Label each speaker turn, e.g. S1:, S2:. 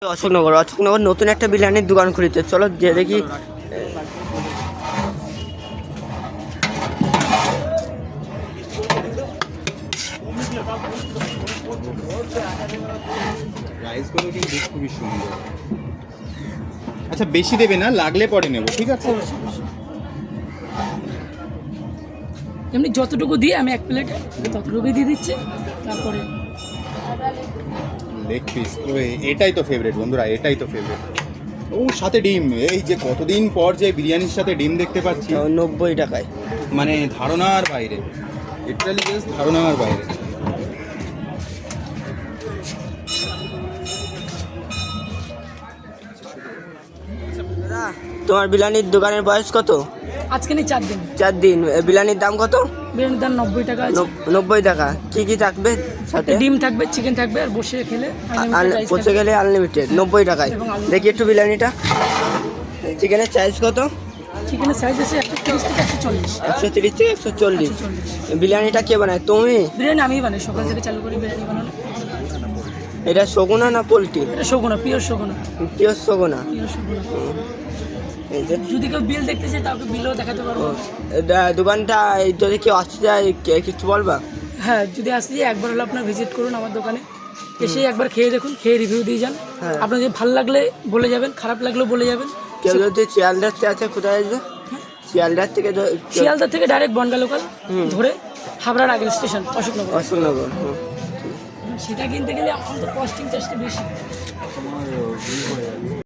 S1: অশোকনগর নতুন একটা বিরিয়ানির দোকান খুলেছে, চলো যে দেখি।
S2: রাইসগুলো কিন্তু খুবই সুন্দর। আচ্ছা বেশি দেবে না, লাগলে পরে নেব, ঠিক আছে?
S3: এমনি যতটুকু দিয়ে আমি এক প্লেটে ততটুকুই দিয়ে দিচ্ছি। তারপরে
S2: লেগ পিস, এটাই তো ফেভারিট বন্ধুরা, এটাই তো ফেভারিট। ও সাথে ডিম, এই যে কতদিন পর যে বিরিয়ানির সাথে ডিম দেখতে পাচ্ছি,
S1: 90 টাকায়,
S2: মানে ধারণার বাইরে, লিটারালি জাস্ট ধারণার বাইরে।
S1: তোমার বিরিয়ানির দোকানের বয়স কত?
S3: আজকে নেই 4 দিন।
S1: 4 দিন। বিরিয়ানির দাম কত?
S3: বিরিয়ানির দাম 90 টাকা আছে।
S1: 90 টাকা। কি কি থাকবে সাথে?
S3: ডিম থাকবে, চিকেন থাকবে, আর বসে খেলে
S1: বসে গেলে আনলিমিটেড 90 টাকায়। দেখি একটু বিরিয়ানিটা। চিকেনের সাইজ কত?
S3: চিকেনের সাইজ আছে 130 থেকে 140।
S1: 130 থেকে 140। বিরিয়ানিটা কে বানায়, তুমি?
S3: বিরিয়ানি আমিই বানাই, সকাল থেকে চালু করি বিরিয়ানি বানানো।
S1: এটা সগুনা না পোলট্রি?
S3: এটা Saguna, pure Saguna.
S1: Pure Saguna.
S3: Pure Saguna.
S1: এই যে
S3: যদি কেউ বিল দেখতে চায় তাকে বিলও দেখাতে পারবো।
S1: এটা দোকানটা যদি কেউ আসতে যায় কিছু বলবা?
S3: হ্যাঁ, যদি আসতে যায় একবার হলে আপনার ভিজিট করুন আমার দোকানে, এসে একবার খেয়ে দেখুন, খেয়ে রিভিউ দিয়ে যান। আপনার যদি ভালো লাগলে বলে যাবেন, খারাপ লাগলেও বলে যাবেন।
S1: কেউ যদি শিয়ালদার থেকে আছে, কোথায় আসবে? শিয়ালদার থেকে
S3: শিয়ালদা থেকে ডাইরেক্ট বনগা লোকাল ধরে হাবড়ার আগের স্টেশন অশোকনগর।
S1: অশোকনগর।
S3: সেটা কিনতে গেলে আমাদের কস্টিং চার্জটা বেশি।